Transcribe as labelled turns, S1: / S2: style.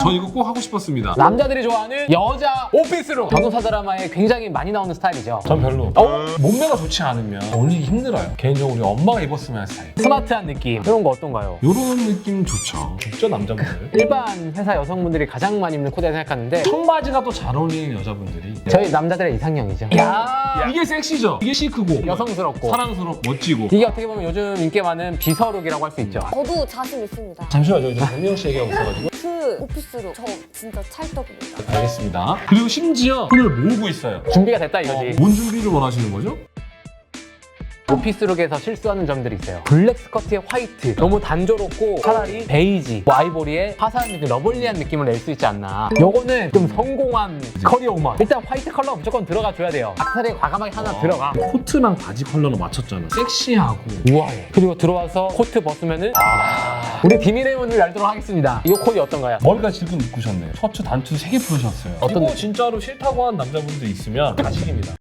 S1: 전 이거 꼭 하고 싶었습니다.
S2: 남자들이 좋아하는 여자 오피스룩. 전도사 드라마에 굉장히 많이 나오는 스타일이죠.
S1: 전 별로. 몸매가 좋지 않으면 어울리기 힘들어요. 개인적으로 우리 엄마가 입었으면 하는 스타일.
S2: 스마트한 느낌. 이런 거 어떤가요?
S1: 이런 느낌 좋죠. 좋죠, 남자분들.
S2: 일반 회사 여성분들이 가장 많이 입는 코디라 생각하는데
S1: 청바지가 또 잘 어울리는 여자분들이.
S2: 저희 남자들의 이상형이죠. 야
S1: 이게 섹시죠? 이게 시크고
S2: 여성스럽고
S1: 사랑스럽고 멋지고.
S2: 이게 어떻게 보면 요즘 인기 많은 비서룩이라고 할 수 있죠.
S3: 저도 자신 있습니다.
S1: 잠시만요. 이제 박명 씨 얘기하고 있어가지고.
S3: 그 오피스룩 저 진짜 찰떡입니다.
S1: 알겠습니다. 그리고 심지어 손을 모으고 있어요.
S2: 준비가 됐다 이거지.
S1: 뭔 준비를 원하시는 거죠?
S2: 오피스룩에서 실수하는 점들이 있어요. 블랙 스커트에 화이트 너무 단조롭고 차라리 베이지, 뭐 아이보리에 화사한 느낌, 러블리한 느낌을 낼 수 있지 않나. 요거는 좀 성공한 커리어 우먼. 일단 화이트 컬러 무조건 들어가 줘야 돼요. 악세사리 과감하게 하나 들어가.
S1: 코트랑 바지 컬러로 맞췄잖아. 섹시하고.
S2: 우아해. 그리고 들어와서 코트 벗으면은 우리 비밀의 문을 열도록 하겠습니다. 이 코디 어떤가요?
S1: 머리가 지금 묶으셨네요. 셔츠 단추 3개 풀으셨어요.
S2: 어떤
S1: 이거
S2: 느낌?
S1: 진짜로 싫다고 하는 남자분들 있으면 가식입니다.